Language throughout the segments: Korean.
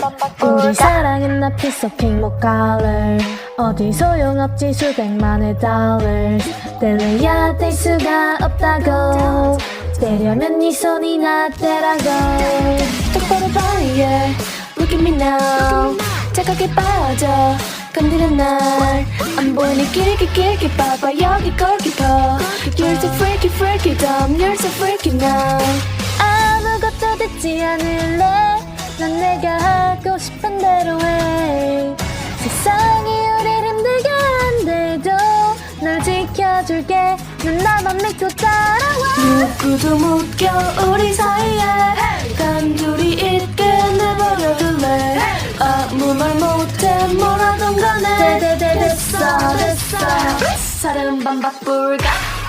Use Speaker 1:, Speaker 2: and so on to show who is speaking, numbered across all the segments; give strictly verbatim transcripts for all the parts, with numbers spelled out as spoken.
Speaker 1: 우리 사랑은 나 piece of pink 못 color 어디 소용없지 수백만의 dollars 뗄래야 뗄 수가 없다고 떼려면 네 손이 나 떼라고 똑바로 봐 yeah Look at me now 착하게 빠져 건드려 날 안 보이니 길게 길게 봐봐 여기 골키퍼 You're so freaky freaky dumb You're so freaky now 아무것도 듣지 않을래 난 내가 하고 싶은 대로 해 세상이 우릴 힘들게 한데도 널 지켜줄게 난 나만 믿고 따라와 누구도 못 껴 우리 사이에 단둘이 있게 내버려둘래 아무 말 못해 뭐라던 간에 데데데 됐어 됐어 사랑은 반박불가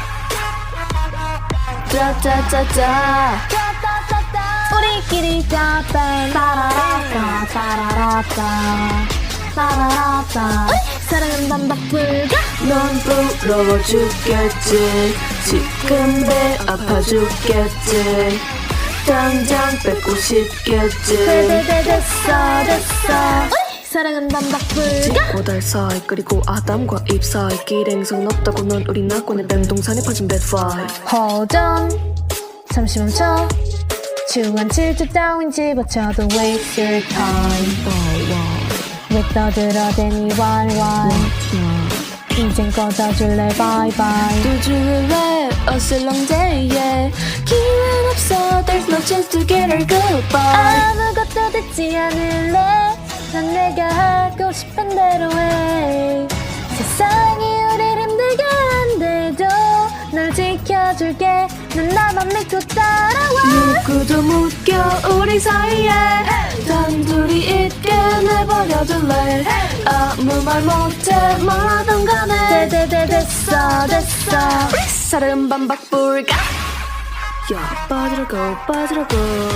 Speaker 1: 짜짜짜짜 우리끼리 짜빵 따라라따 따라라따 따라라따 사랑은 반박불가
Speaker 2: 넌 부러워 죽겠지 지금 배 아파 죽겠지 당장 뺏고 싶겠지
Speaker 1: 데데데 됐어 됐어 사랑은 반박불가
Speaker 2: 고달 사이 그리고 아담과 잎 사이 길행성 없다고 넌 우리 낙원의 뱀동산에 퍼진 배파이
Speaker 1: Hold on 잠시 멈춰 추한 질투 따윈 집어쳐도 waste your time 왜 떠들어대니 왈왈 이젠 꺼져줄래 bye bye
Speaker 2: 두줄래 어슬렁대에 기회는 없어 There's no chance to get her goodbye
Speaker 1: 아무것도 듣지 않을래 난 내가 하고 싶은 대로 해 세상이 우릴 힘들게 한데도 널 지켜줄게 난 나만 믿고 따라와
Speaker 2: 누구도 묶여 우리 사이에 단둘이 있게 내버려둘래 아무 말 못해 뭐라던 간에
Speaker 1: 데데데 됐어 됐어
Speaker 2: 사랑은 반박불가 야 빠지라고 빠지라고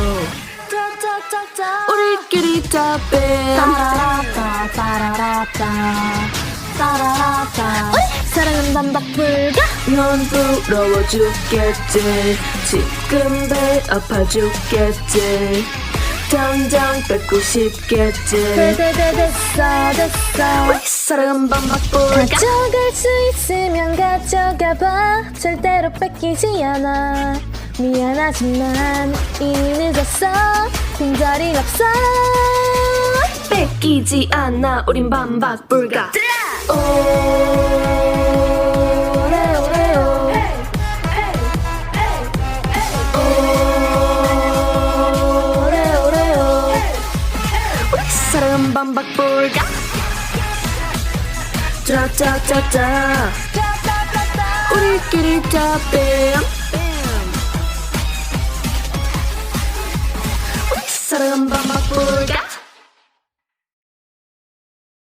Speaker 2: 우리끼리 답해
Speaker 1: 따라라따 따라라따 따라라따 사랑은 반박불가
Speaker 2: 넌 부러워 죽겠지 지금 배 아파 죽겠지 당장 뺏고 싶겠지
Speaker 1: 데데데 됐어 됐어
Speaker 2: 사랑은 반박불가
Speaker 1: 가져갈 수 있으면 가져가봐 절대로 뺏기지 않아 미안하지만 이미 늦었어 빈자리 없어
Speaker 2: 뺏기지 않아 우린 반박불가
Speaker 1: 오레오레오 오레오레오
Speaker 2: 우리 사랑은 반박불가 짜짜짜짜 우리끼리 답해 우리 사랑은 반박불가